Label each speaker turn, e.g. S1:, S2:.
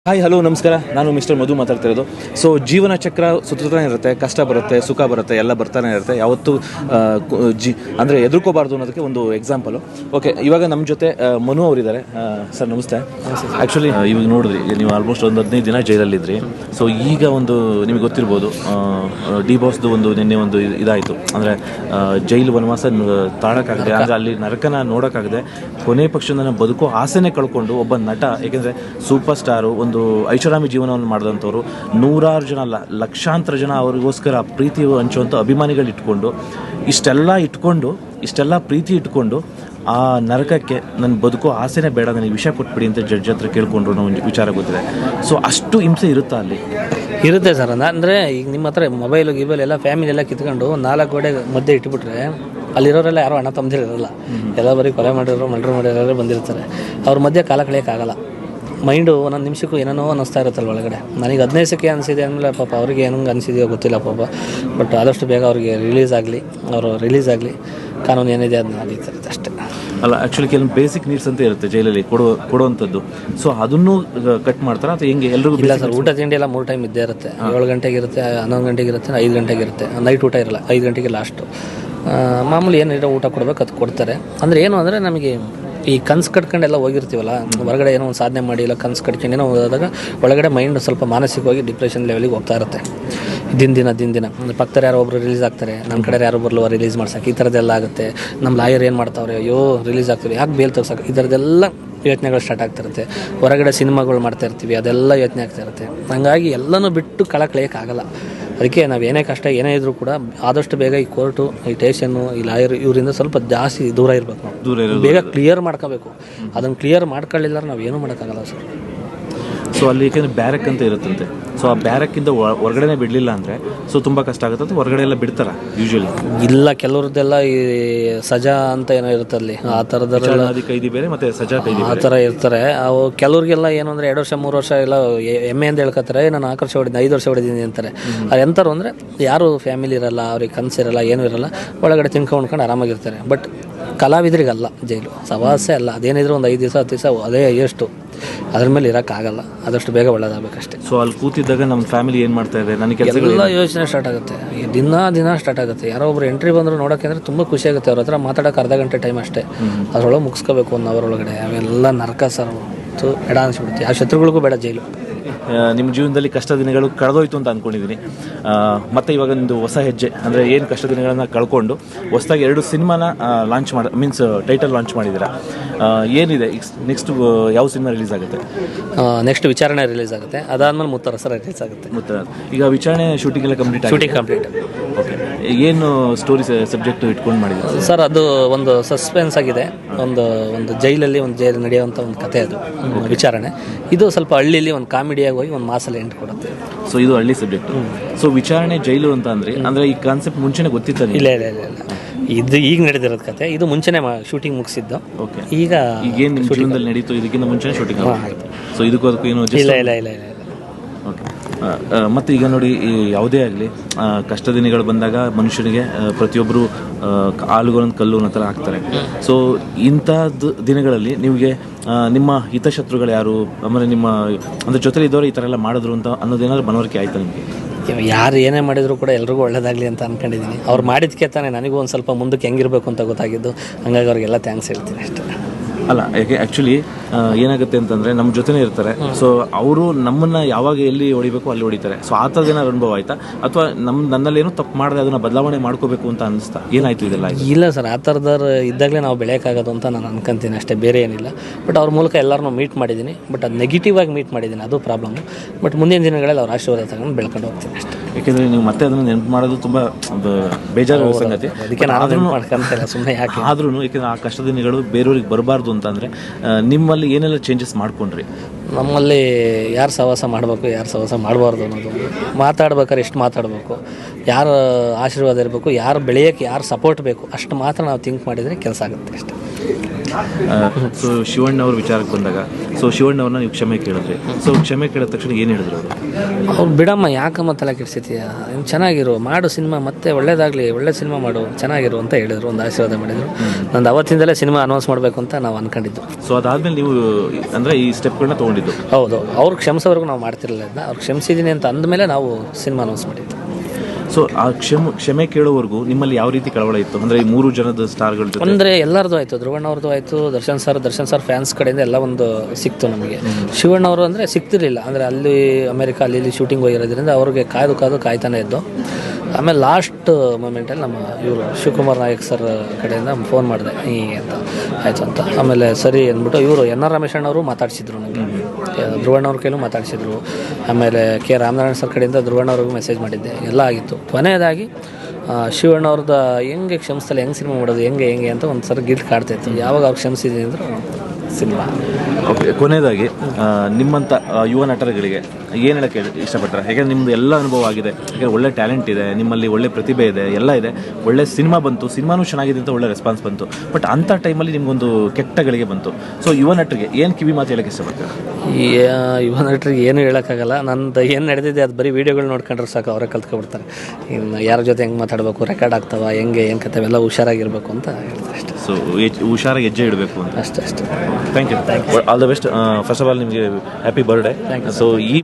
S1: Hi hello ನಮಸ್ಕಾರ. ನಾನು mister ಮಧು ಮಾತಾಡ್ತಿರೋದು. ಸೊ ಜೀವನ ಚಕ್ರ ಸುತ್ತಾನೆ ಇರುತ್ತೆ, ಕಷ್ಟ ಬರುತ್ತೆ, ಸುಖ ಬರುತ್ತೆ, ಎಲ್ಲ ಬರ್ತಾನೆ ಇರುತ್ತೆ. ಯಾವತ್ತೂ ಅಂದರೆ ಎದುರ್ಕೋಬಾರ್ದು ಅನ್ನೋದಕ್ಕೆ ಒಂದು ಎಕ್ಸಾಂಪಲು. ಓಕೆ, ಇವಾಗ ನಮ್ಮ ಜೊತೆ ಮನು ಅವರಿದ್ದಾರೆ. ಸರ್ ನಮಸ್ತೆ. ಆ್ಯಕ್ಚುಲಿ ಇವಾಗ ನೋಡಿದ್ರಿ, ನೀವು ಆಲ್ಮೋಸ್ಟ್ ಒಂದು 15 ದಿನ ಜೈಲಲ್ಲಿದ್ರಿ. ಸೊ ಈಗ ಒಂದು ನಿಮಗೆ ಗೊತ್ತಿರ್ಬೋದು, ಡಿ ಬಾಸ್ದು ಒಂದು ನಿನ್ನೆ ಒಂದು ಇದಾಯಿತು. ಅಂದರೆ ಜೈಲು ವನವಾಸ ತಾಳೋಕ್ಕಾಗದೆ, ಅಂದರೆ ಅಲ್ಲಿ ನರಕನ ನೋಡೋಕ್ಕಾಗದೆ ಕೊನೆ ಪಕ್ಷ ನನ್ನ ಬದುಕೋ ಆಸೆನೇ ಕಳ್ಕೊಂಡು ಒಬ್ಬ ನಟ, ಏಕೆಂದರೆ ಸೂಪರ್ ಸ್ಟಾರು, ಒಂದು ಐಷಾರಾಮಿ ಜೀವನವನ್ನು ಮಾಡಿದಂಥವ್ರು, ನೂರಾರು ಜನ ಅಲ್ಲ ಲಕ್ಷಾಂತರ ಜನ ಅವರಿಗೋಸ್ಕರ ಪ್ರೀತಿ ಹಂಚುವಂಥ ಅಭಿಮಾನಿಗಳು ಇಷ್ಟೆಲ್ಲ ಪ್ರೀತಿ ಇಟ್ಕೊಂಡು ಆ ನರಕಕ್ಕೆ ನನ್ನ ಬದುಕೋ ಆಸೆನೇ ಬೇಡ, ನನಗೆ ವಿಷಯ ಕೊಟ್ಬಿಡಿ ಅಂತ ಜಡ್ಜ್ ಹತ್ರ ಕೇಳ್ಕೊಂಡ್ರು ನಾವು ವಿಚಾರ ಗೊತ್ತಿದೆ. ಸೊ ಅಷ್ಟು ಹಿಂಸೆ ಇರುತ್ತಾ ಅಲ್ಲಿ?
S2: ಇರುತ್ತೆ ಸರ್. ಅಂದರೆ ಈಗ ನಿಮ್ಮ ಹತ್ರ ಮೊಬೈಲು ಗಿಬೈಲ್ ಎಲ್ಲ ಫ್ಯಾಮಿಲಿ ಎಲ್ಲ ಕಿತ್ಕೊಂಡು 4 ಗೋಡೆ ಮಧ್ಯೆ ಇಟ್ಬಿಟ್ರೆ ಅಲ್ಲಿರೋರೆಲ್ಲ ಯಾರೋ ಅಣ್ಣ ತಮ್ಮದಿರಲ್ಲ, ಎಲ್ಲ ಬರೀ ಕೊಲೆ ಮಾಡಿರೋರೇ ಬಂದಿರ್ತಾರೆ. ಅವ್ರ ಮಧ್ಯೆ ಕಾಲ ಕಳೆಯೋಕ್ಕಾಗಲ್ಲ. ಮೈಂಡು ಒಂದೊಂದು ನಿಮಿಷಕ್ಕೂ ಏನೇನೋ ಅನ್ನಿಸ್ತಾ ಇರುತ್ತಲ್ಲ ಒಳಗಡೆ. ನನಗೆ 15 ಸೆಕೆ ಅನಿಸಿದೆ ಅಂದಮೇಲೆ ಪಾಪ ಅವ್ರಿಗೆ ಏನಂಗೆ ಅನಿಸಿದೆಯೋ ಗೊತ್ತಿಲ್ಲ ಪಾಪ. ಬಟ್ ಆದಷ್ಟು ಬೇಗ ಅವ್ರಿಗೆ ರಿಲೀಸ್ ಆಗಲಿ, ಕಾನೂನು ಏನಿದೆ ಅದನ್ನ ನಡೀತಾರೆ ಅಷ್ಟೇ.
S1: ಅಲ್ಲ, ಆ್ಯಕ್ಚುಲಿ ಕೆಲವೊಂದು ಬೇಸಿಕ್ ನೀಡ್ಸ್ ಅಂತ ಇರುತ್ತೆ ಜೈಲಲ್ಲಿ ಕೊಡುವಂಥದ್ದು. ಸೊ ಅದನ್ನು ಕಟ್ ಮಾಡ್ತಾರೆ ಅಥವಾ ಹೆಂಗೆ? ಎಲ್ರಿಗೂ
S2: ಇಲ್ಲ ಸರ್, ಊಟ ತಿಂಡಿ ಎಲ್ಲ 3 ಟೈಮ್ ಇದ್ದೇ ಇರುತ್ತೆ. 7 ಗಂಟೆಗೆ ಇರುತ್ತೆ, 11 ಗಂಟೆಗೆ ಇರುತ್ತೆ, 5 ಗಂಟೆಗೆ ಇರುತ್ತೆ. ನೈಟ್ ಊಟ ಇರಲ್ಲ, 5 ಗಂಟೆಗೆ ಲಾಸ್ಟು. ಮಾಮೂಲಿ ಏನಿರೋ ಊಟ ಕೊಡಬೇಕು, ಅದು ಕೊಡ್ತಾರೆ. ಅಂದರೆ ಏನು ಅಂದರೆ ನಮಗೆ ಈ ಕನ್ಸು ಕಟ್ಕೊಂಡೆಲ್ಲ ಹೋಗಿರ್ತೀವಲ್ಲ, ಹೊರಗಡೆ ಏನೋ ಒಂದು ಸಾಧನೆ ಮಾಡಿ ಇಲ್ಲ ಕನ್ಸು ಕಟ್ಕೊಂಡು ಏನೋ ಹೋದಾಗ ಒಳಗಡೆ ಮೈಂಡ್ ಸ್ವಲ್ಪ ಮಾನಸಿಕವಾಗಿ ಡಿಪ್ರೆಷನ್ ಲೆವೆಲಿಗೆ ಹೋಗ್ತಾ ಇರುತ್ತೆ. ದಿನ ಅಂದರೆ ಪಕ್ಕದಲ್ಲಿ ಯಾರೋ ಒಬ್ಬರು ರಿಲೀಸ್ ಆಗ್ತಾರೆ, ನಮ್ಮ ಕಡೆ ಯಾರೋ ಒಬ್ಬರು ರಿಲೀಸ್ ಮಾಡ್ಸೋಕೆ, ಈ ಥರದ್ದೆಲ್ಲ ಆಗುತ್ತೆ. ನಮ್ಮ ಲಾಯರ್ ಏನು ಮಾಡ್ತಾವ್ರೆ, ಅಯ್ಯೋ ರಿಲೀಸ್ ಆಗ್ತೀವಿ, ಯಾಕೆ ಬೇಲ್ ತಗ್ಸೋಕೆ, ಈ ಥರದ್ದೆಲ್ಲ ಯೋಚನೆಗಳು ಸ್ಟಾರ್ಟ್ ಆಗ್ತಿರುತ್ತೆ. ಹೊರಗಡೆ ಸಿನಿಮಾಗಳು ಮಾಡ್ತಾ ಇರ್ತೀವಿ, ಅದೆಲ್ಲ ಯೋಚನೆ ಆಗ್ತಾ ಇರುತ್ತೆ. ಹಾಗಾಗಿ ಎಲ್ಲನೂ ಬಿಟ್ಟು ಕಳೆಯೋಕ್ಕಾಗಲ್ಲ. ಅದಕ್ಕೆ ನಾವು ಏನೇ ಕಷ್ಟ ಏನೇ ಇದ್ರೂ ಕೂಡ ಆದಷ್ಟು ಬೇಗ ಈ ಕೋರ್ಟು, ಈ ಸ್ಟೇಷನ್ನು, ಈ ಲಾಯರ್ ಇವರಿಂದ ಸ್ವಲ್ಪ ಜಾಸ್ತಿ ದೂರ ಇರಬೇಕು. ನಾವು ಬೇಗ ಕ್ಲಿಯರ್ ಮಾಡ್ಕೋಬೇಕು. ಅದನ್ನು ಕ್ಲಿಯರ್ ಮಾಡ್ಕೊಳ್ಳಿಲ್ಲ ನಾವು ಏನೂ ಮಾಡೋಕ್ಕಾಗಲ್ಲ ಸರ್.
S1: ಸೊ ಅಲ್ಲಿ ಏಕೆಂದರೆ ಬ್ಯಾರಕ್ ಅಂತ ಇರುತ್ತಂತೆ. ಸೊ ಆ ಬ್ಯಾರಕ್ಕಿಂದ ಹೊರಗಡೆನೇ ಬಿಡಲಿಲ್ಲ ಅಂದರೆ ಸೊ ತುಂಬ ಕಷ್ಟ ಆಗುತ್ತೆ ಅಂತ ಹೊರಗಡೆ ಎಲ್ಲ ಬಿಡ್ತಾರೆ ಯೂಶ್ವಲಿ? ಇಲ್ಲ,
S2: ಕೆಲವ್ರದ್ದೆಲ್ಲ ಈ ಸಜಾ ಅಂತ ಏನೋ ಇರುತ್ತೆ ಅಲ್ಲಿ, ಆ ಥರದ್ದೆಲ್ಲ
S1: ಕೈದಿ ಬೇರೆ ಮತ್ತು ಸಜಾ ಕೈದಿ
S2: ಆ ಥರ ಇರ್ತಾರೆ. ಅವು ಕೆಲವ್ರಿಗೆಲ್ಲ ಏನು ಅಂದರೆ 2 ವರ್ಷ 3 ವರ್ಷ ಎಲ್ಲ ಹೆಮ್ಮೆಯಿಂದ ಹೇಳ್ಕೊತಾರೆ, ನಾನು 4 ವರ್ಷ ಹೊಡಿದ್ದೀನಿ, 5 ವರ್ಷ ಹೊಡಿದ್ದೀನಿ ಅಂತಾರೆ. ಅದು ಎಂಥವ್ರು ಅಂದರೆ ಯಾರು ಫ್ಯಾಮಿಲಿ ಇರಲ್ಲ, ಅವ್ರಿಗೆ ಕನಸಿರಲ್ಲ, ಏನೂ ಇರಲ್ಲ, ಒಳಗಡೆ ತಿನ್ಕೊಂಡು ಆರಾಮಾಗಿರ್ತಾರೆ. ಬಟ್ ಕಲಾವಿದರಿಗಲ್ಲ ಜೈಲು, ಸವಾಸೆ ಅಲ್ಲ. ಅದೇನಿದ್ರು ಒಂದು 5 ದಿವಸ 10 ದಿವಸ ಅದೇ ಎಷ್ಟು, ಅದ್ರ ಮೇಲೆ ಇರೋಕ್ಕಾಗಲ್ಲ. ಆದಷ್ಟು ಬೇಗ ಒಳ್ಳೇದಾಗಬೇಕಷ್ಟೇ.
S1: ಸೊ ಅಲ್ಲಿ ಕೂತಿದ್ದಾಗ ನಮ್ಮ ಫ್ಯಾಮಿಲಿ ಏನು ಮಾಡ್ತಾ ಇದೆ, ನನಗೆ
S2: ಎಲ್ಲ ಯೋಚನೆ ಸ್ಟಾರ್ಟ್ ಆಗುತ್ತೆ, ದಿನ ಸ್ಟಾರ್ಟ್ ಆಗುತ್ತೆ. ಯಾರೋ ಒಬ್ರು ಎಂಟ್ರಿ ಬಂದರು ನೋಡೋಕೆ ಅಂದರೆ ತುಂಬ ಖುಷಿ ಆಗುತ್ತೆ. ಅವ್ರ ಹತ್ರ ಮಾತಾಡೋಕೆ ಅರ್ಧ ಗಂಟೆ ಟೈಮ್ ಅಷ್ಟೇ, ಅದರೊಳಗೆ ಮುಗಿಸ್ಕೋಬೇಕು 1 ಅವರ್ ಒಳಗಡೆ. ಅವೆಲ್ಲ ನರಕ ಸರ್, ಎಡ ಅನಿಸ್ಬಿಡುತ್ತೆ. ಆ ಶತ್ರುಗಳಿಗೂ ಬೇಡ ಜೈಲು.
S1: ನಿಮ್ಮ ಜೀವನದಲ್ಲಿ ಕಷ್ಟ ದಿನಗಳು ಕಳೆದೋಯ್ತು ಅಂತ ಅಂದ್ಕೊಂಡಿದ್ದೀನಿ. ಮತ್ತು ಇವಾಗ ಒಂದು ಹೊಸ ಹೆಜ್ಜೆ ಅಂದರೆ ಏನು ಕಷ್ಟ ದಿನಗಳನ್ನು ಕಳ್ಕೊಂಡು ಹೊಸದಾಗಿ 2 ಸಿನಿಮಾನ ಲಾಂಚ್ ಟೈಟಲ್ ಲಾಂಚ್ ಮಾಡಿದ್ದೀರಾ. ಏನಿದೆ ನೆಕ್ಸ್ಟ್? ಯಾವ ಸಿನಿಮಾ ರಿಲೀಸ್ ಆಗುತ್ತೆ?
S2: ನೆಕ್ಸ್ಟ್ ವಿಚಾರಣೆ ರಿಲೀಸ್ ಆಗುತ್ತೆ, ಅದಾದ್ಮೇಲೆ ಮುತ್ತರಸರ ರಿಲೀಸ್ ಆಗುತ್ತೆ.
S1: ಈಗ ವಿಚಾರಣೆ ಶೂಟಿಂಗ್ ಎಲ್ಲ ಕಂಪ್ಲೀಟ್. ಓಕೆ, ಏನು ಸ್ಟೋರಿ ಸಬ್ಜೆಕ್ಟ್ ಇಟ್ಕೊಂಡು ಮಾಡಿದ್ದೀರಾ
S2: ಸರ್? ಅದು ಒಂದು ಸಸ್ಪೆನ್ಸ್ ಆಗಿದೆ. ಒಂದು ಜೈಲಲ್ಲಿ ನಡೆಯುವಂಥ ಒಂದು ಕತೆ ಅದು ವಿಚಾರಣೆ. ಇದು ಸ್ವಲ್ಪ ಹಳ್ಳಿಲಿ ಒಂದು ಕಾಮಿಡಿಯಾಗಿ ಹೋಗಿ ಒಂದು ಮಾಸಲ್ಲಿ ಎಂಟು ಕೊಡುತ್ತೆ.
S1: ಸೊ ಇದು ಹಳ್ಳಿ ಸಬ್ಜೆಕ್ಟ್. ಸೊ ವಿಚಾರಣೆ ಜೈಲು ಅಂತ ಅಂದರೆ ಈ ಕಾನ್ಸೆಪ್ಟ್ ಮುಂಚೆನೇ ಗೊತ್ತಿತ್ತು?
S2: ಇಲ್ಲ, ಇದು ಈಗ ನಡೆದಿರೋದು ಕತೆ. ಇದು ಮುಂಚೆನೇ ಶೂಟಿಂಗ್ ಮುಗಿಸಿದ್ದು.
S1: ಓಕೆ, ಈಗೇನು ಜೀವನದಲ್ಲಿ ನಡೀತು ಇದಕ್ಕಿಂತ ಮುಂಚೆನೇ ಶೂಟಿಂಗ್ ಆಯಿತು. ಸೊ ಇದಕ್ಕೂ ಏನು?
S2: ಇಲ್ಲ.
S1: ಓಕೆ. ಮತ್ತು ಈಗ ನೋಡಿ, ಯಾವುದೇ ಆಗಲಿ ಕಷ್ಟ ದಿನಗಳು ಬಂದಾಗ ಮನುಷ್ಯನಿಗೆ ಪ್ರತಿಯೊಬ್ಬರು ಆಳುಗಳೊಂದು ಕಲ್ಲು ಅನ್ನೋ ಥರ ಹಾಕ್ತಾರೆ. ಸೊ ಇಂಥದ್ದು ದಿನಗಳಲ್ಲಿ ನಿಮಗೆ ನಿಮ್ಮ ಹಿತಶತ್ರುಗಳು ಯಾರು, ಆಮೇಲೆ ನಿಮ್ಮ ಅಂದರೆ ಜೊತೆಲಿ ಇದ್ದವರು ಈ ಥರ ಎಲ್ಲ ಮಾಡಿದ್ರು ಅಂತ ಅನ್ನೋದೇನಾದ್ರು ಮನವರಿಕೆ ಆಯ್ತಾ ನಿಮಗೆ?
S2: ಯಾರು ಏನೇ ಮಾಡಿದ್ರು ಕೂಡ ಎಲ್ರಿಗೂ ಒಳ್ಳೇದಾಗಲಿ ಅಂತ ಅಂದ್ಕೊಂಡಿದ್ದೀನಿ. ಅವ್ರು ಮಾಡಿದ್ಕೆ ತಾನೇ ನನಗೂ ಒಂದು ಸ್ವಲ್ಪ ಮುಂದಕ್ಕೆ ಹೆಂಗಿರಬೇಕು ಅಂತ ಗೊತ್ತಾಗಿದ್ದು. ಹಂಗಾಗಿ ಅವ್ರಿಗೆಲ್ಲ ಥ್ಯಾಂಕ್ಸ್ ಹೇಳ್ತೀನಿ ಅಷ್ಟೇ.
S1: ಅಲ್ಲ, ಯಾಕೆ ಆ್ಯಕ್ಚುಲಿ ಏನಾಗುತ್ತೆ ಅಂತಂದರೆ ನಮ್ಮ ಜೊತೆನೇ ಇರ್ತಾರೆ. ಸೊ ಅವರು ನಮ್ಮನ್ನು ಯಾವಾಗ ಎಲ್ಲಿ ಹೊಡಿಬೇಕು ಅಲ್ಲಿ ಹೊಡಿತಾರೆ. ಸೊ ಆ ಥರದ್ದು ಏನಾದ್ರು ಅನುಭವ ಆಯಿತಾ? ಅಥವಾ ನನ್ನಲ್ಲೇನೋ ತಪ್ಪು ಮಾಡಿದೆ ಅದನ್ನು ಬದಲಾವಣೆ ಮಾಡ್ಕೋಬೇಕು ಅಂತ ಅನ್ನಿಸ್ತಾ? ಏನಾಯಿತು ಇದೆಲ್ಲ?
S2: ಇಲ್ಲ ಸರ್, ಆ ಥರದವ್ರು ಇದ್ದಾಗಲೇ ನಾವು ಬೆಳೆಯೋಕ್ಕಾಗೋದು ಅಂತ ನಾನು ಅನ್ಕೊಂತೀನಿ ಅಷ್ಟೇ, ಬೇರೆ ಏನಿಲ್ಲ. ಬಟ್ ಅವ್ರ ಮೂಲಕ ಎಲ್ಲರನ್ನೂ ಮೀಟ್ ಮಾಡಿದ್ದೀನಿ. ಬಟ್ ಅದು ನೆಗೆಟಿವ್ ಆಗಿ ಮೀಟ್ ಮಾಡಿದ್ದೀನಿ, ಅದು ಪ್ರಾಬ್ಲಮ್ಮು. ಬಟ್ ಮುಂದಿನ ದಿನಗಳಲ್ಲಿ ಅವ್ರ ಆಶೀರ್ವಾದ ತಗೊಂಡು ಬೆಳ್ಕೊಂಡು ಹೋಗ್ತೀನಿ ಅಷ್ಟೇ.
S1: ಯಾಕೆಂದರೆ ನೀವು ಮತ್ತೆ ಅದನ್ನು ನೆನಪು ಮಾಡೋದು ತುಂಬ ಬೇಜಾರು ಸಂಗತಿ.
S2: ಅದಕ್ಕೆ ನಾನು ಮಾಡ್ಕೊಂತಿಲ್ಲ ಸುಮ್ಮನೆ ಯಾಕೆ.
S1: ಆದ್ರೂ ಯಾಕೆಂದರೆ ಆ ಕಷ್ಟ ದಿನಗಳು ಬೇರೆಯವ್ರಿಗೆ ಬರಬಾರ್ದು ಅಂತಂದರೆ ನಿಮ್ಮಲ್ಲಿ ಏನೆಲ್ಲ ಚೇಂಜಸ್ ಮಾಡ್ಕೊಂಡ್ರಿ?
S2: ನಮ್ಮಲ್ಲಿ ಯಾರು ಸಹವಾಸ ಮಾಡಬೇಕು, ಯಾರು ಸಹವಾಸ ಮಾಡಬಾರ್ದು ಅನ್ನೋದು, ಮಾತಾಡ್ಬೇಕಾದ್ರೆ ಎಷ್ಟು ಮಾತಾಡಬೇಕು, ಯಾರು ಆಶೀರ್ವಾದ ಇರಬೇಕು, ಯಾರು ಬೆಳೆಯೋಕ್ಕೆ ಯಾರು ಸಪೋರ್ಟ್ ಬೇಕು, ಅಷ್ಟು ಮಾತ್ರ ನಾವು ಥಿಂಕ್ ಮಾಡಿದರೆ ಕೆಲಸ ಆಗುತ್ತೆ ಅಷ್ಟೇ.
S1: ಸೊ ಶಿವಣ್ಣ ಅವ್ರ ವಿಚಾರಕ್ಕೆ ಬಂದಾಗ ಸೊ ಶಿವಣ್ಣ ಅವ್ರನ್ನ ನೀವು ಕ್ಷಮೆ ಕೇಳಿದ್ರಿ. ಸೊ ಕ್ಷಮೆ ಕೇಳಿದ ತಕ್ಷಣ ಏನು ಹೇಳಿದ್ರು ಅವರು?
S2: ಅವ್ರು ಬಿಡಮ್ಮ, ಯಾಕಮ್ಮ ತಲೆ ಕೆಡಿಸಿತೀಯ, ನೀನು ಚೆನ್ನಾಗಿರು, ಮಾಡು ಸಿನಿಮಾ, ಮತ್ತೆ ಒಳ್ಳೇದಾಗಲಿ, ಒಳ್ಳೆ ಸಿನಿಮಾ ಮಾಡು, ಚೆನ್ನಾಗಿರು ಅಂತ ಹೇಳಿದರು, ಒಂದು ಆಶೀರ್ವಾದ ಮಾಡಿದರು. ನಂದು ಅವತ್ತಿಂದಲೇ ಸಿನಿಮಾ ಅನೌನ್ಸ್ ಮಾಡಬೇಕು ಅಂತ ನಾವು ಅಂದ್ಕೊಂಡಿದ್ದು.
S1: ಸೊ ಅದಾದಮೇಲೆ ನೀವು ಅಂದರೆ ಈ ಸ್ಟೆಪ್ಗಳನ್ನ ತೊಗೊಂಡಿದ್ದು?
S2: ಹೌದು, ಅವ್ರು ಕ್ಷಮಿಸೋವರೆಗೂ ನಾವು ಮಾಡ್ತಿರಲಿಲ್ಲ ಇದನ್ನ. ಅವ್ರು ಕ್ಷಮಿಸಿದ್ದೀನಿ ಅಂತ ಅಂದಮೇಲೆ ನಾವು ಸಿನಿಮಾ ಅನೌನ್ಸ್ ಮಾಡಿದ್ದು.
S1: ಸೊ ಆ ಕ್ಷಮೆ ಕೇಳೋವರೆಗೂ ನಿಮ್ಮಲ್ಲಿ ಯಾವ ರೀತಿ ಕಳವಳ ಇತ್ತು? ಅಂದರೆ ಈ 3 ಜನದ ಸ್ಟಾರ್ಗಳ ಜೊತೆ
S2: ಅಂದರೆ ಎಲ್ಲರದು ಆಯಿತು, ಧ್ರುವಣ್ಣ ಅವ್ರದ್ದು ಆಯಿತು, ದರ್ಶನ್ ಸರ್ ಫ್ಯಾನ್ಸ್ ಕಡೆಯಿಂದ ಎಲ್ಲ ಒಂದು ಸಿಕ್ತು ನಮಗೆ. ಶಿವಣ್ಣ ಅವರು ಅಂದರೆ ಸಿಗ್ತಿರಲಿಲ್ಲ, ಅಂದರೆ ಅಲ್ಲಿ ಅಮೆರಿಕ ಅಲ್ಲಿ ಶೂಟಿಂಗ್ ಹೋಗಿರೋದ್ರಿಂದ ಅವ್ರಿಗೆ ಕಾಯ್ತಾನೆ ಇದ್ದು. ಆಮೇಲೆ ಲಾಸ್ಟ್ ಮೂಮೆಂಟಲ್ಲಿ ನಮ್ಮ ಇವರು ಶಿವಕುಮಾರ್ ನಾಯಕ್ ಸರ್ ಕಡೆಯಿಂದ ಫೋನ್ ಮಾಡಿದೆ ಹೀಗೆ ಅಂತ ಆಯಿತು ಅಂತ. ಆಮೇಲೆ ಸರಿ ಅಂದ್ಬಿಟ್ಟು ಇವರು ಎನ್ ಆರ್ ರಮೇಶಣ್ಣ ಅವರು ಮಾತಾಡಿಸಿದ್ರು ನನಗೆ, ಧ್ರುವಣ್ಣ ಅವ್ರ ಕೈಲೂ ಮಾತಾಡಿಸಿದ್ರು. ಆಮೇಲೆ ಕೆ ರಾಮನಾರಾಯಣ ಸರ್ ಕಡೆಯಿಂದ ಧ್ರುವಣ್ಣ ಅವ್ರಿಗೂ ಮೆಸೇಜ್ ಮಾಡಿದ್ದೆ, ಎಲ್ಲ ಆಗಿತ್ತು. ಕೊನೆಯದಾಗಿ ಶಿವಣ್ಣ ಅವ್ರದ್ದು ಹೆಂಗೆ ಕ್ಷಮಿಸ್ತಲ್ಲ, ಹೆಂಗೆ ಸಿನಿಮಾ ಮಾಡೋದು, ಹೆಂಗೆ ಅಂತ ಒಂದು ಸಲ ಗಿಲ್ಟ್ ಕಾಡ್ತಾಯಿತ್ತು. ಯಾವಾಗ ಅವ್ರು ಕ್ಷಮಿಸಿದ್ದೀನಿ ಅಂದ್ರೆ ಸಿನಿಮಾ.
S1: ಓಕೆ, ಕೊನೆಯದಾಗಿ ನಿಮ್ಮಂಥ ಯುವ ನಟರುಗಳಿಗೆ ಏನು ಹೇಳೋಕ್ಕೆ ಇಷ್ಟಪಡ್ತಾರೆ? ಯಾಕೆಂದರೆ ನಿಮ್ಮದು ಎಲ್ಲ ಅನುಭವ ಆಗಿದೆ, ಯಾಕೆಂದರೆ ಒಳ್ಳೆ ಟ್ಯಾಲೆಂಟ್ ಇದೆ ನಿಮ್ಮಲ್ಲಿ, ಒಳ್ಳೆ ಪ್ರತಿಭೆ ಇದೆ, ಎಲ್ಲ ಇದೆ, ಒಳ್ಳೆ ಸಿನಿಮಾ ಬಂತು, ಸಿನಿಮಾನೂ ಚೆನ್ನಾಗಿದೆ ಅಂತ ಒಳ್ಳೆ ರೆಸ್ಪಾನ್ಸ್ ಬಂತು. ಬಟ್ ಅಂಥ ಟೈಮಲ್ಲಿ ನಿಮಗೊಂದು ಕೆಟ್ಟ ಗಳಿಗೆ ಬಂತು. ಸೊ ಯುವ ನಟರಿಗೆ ಏನು ಕಿವಿ ಮಾತು ಹೇಳೋಕ್ಕೆ ಇಷ್ಟಪಡ್ತಾರೆ?
S2: ಈ ಯುವ ನಟರಿಗೆ ಏನು ಹೇಳೋಕ್ಕಾಗಲ್ಲ. ನಂದು ಏನು ನಡೆದಿದೆ ಅದು ಬರೀ ವೀಡಿಯೋಗಳು ನೋಡ್ಕೊಂಡ್ರೆ ಸಾಕು, ಅವರೇ ಕಲ್ತ್ಕೊಬಿಡ್ತಾರೆ. ಇನ್ನು ಯಾರ ಜೊತೆ ಹೆಂಗೆ ಮಾತಾಡಬೇಕು, ರೆಕಾರ್ಡ್ ಆಗ್ತಾವ, ಹೆಂಗೆ ಏನು ಕತೆ, ಎಲ್ಲ ಹುಷಾರಾಗಿರ್ಬೇಕು ಅಂತ ಹೇಳ್ತಾರೆ ಅಷ್ಟೇ.
S1: ಸೊ ಹುಷಾರಾಗಿ ಹೆಜ್ಜೆ ಇಡಬೇಕು ಅಂತ
S2: ಅಷ್ಟೇ.
S1: Thank you. All the best. First of all ನಿಮಗೆ ಹ್ಯಾಪಿ ಬರ್ಡೇ. ಸೊ ಈ